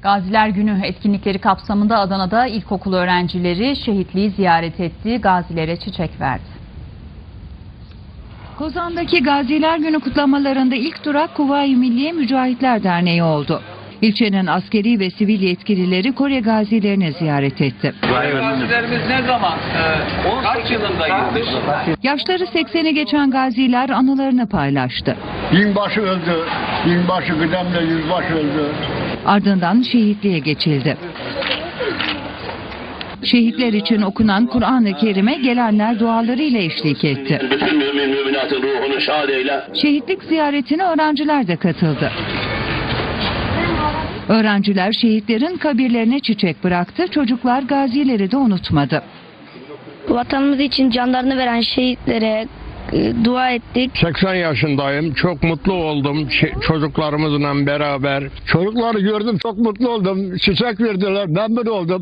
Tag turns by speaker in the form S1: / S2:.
S1: Gaziler Günü etkinlikleri kapsamında Adana'da ilkokul öğrencileri şehitliği ziyaret etti, gazilere çiçek verdi.
S2: Kozan'daki Gaziler Günü kutlamalarında ilk durak Kuvayi Milliye Mücahitler Derneği oldu. İlçenin askeri ve sivil yetkilileri Kore gazilerini ziyaret etti.
S3: Gazilerimiz ne zaman, kaç yılında girmiş?
S2: Yaşları 80'i geçen gaziler anılarını paylaştı.
S4: Binbaşı öldü, binbaşı kıdemle yüzbaşı öldü.
S2: Ardından şehitliğe geçildi. Şehitler için okunan Kur'an-ı Kerim'e gelenler dualarıyla eşlik etti.
S5: Bütün müminatın ruhunu şad eyle.
S2: Şehitlik ziyaretine öğrenciler de katıldı. Öğrenciler şehitlerin kabirlerine çiçek bıraktı, çocuklar gazileri de unutmadı.
S6: Vatanımız için canlarını veren şehitlere dua ettik.
S7: 80 yaşındayım. Çok mutlu oldum çocuklarımızla beraber.
S4: Çocukları gördüm, çok mutlu oldum. Çiçek verdiler, memnun oldum.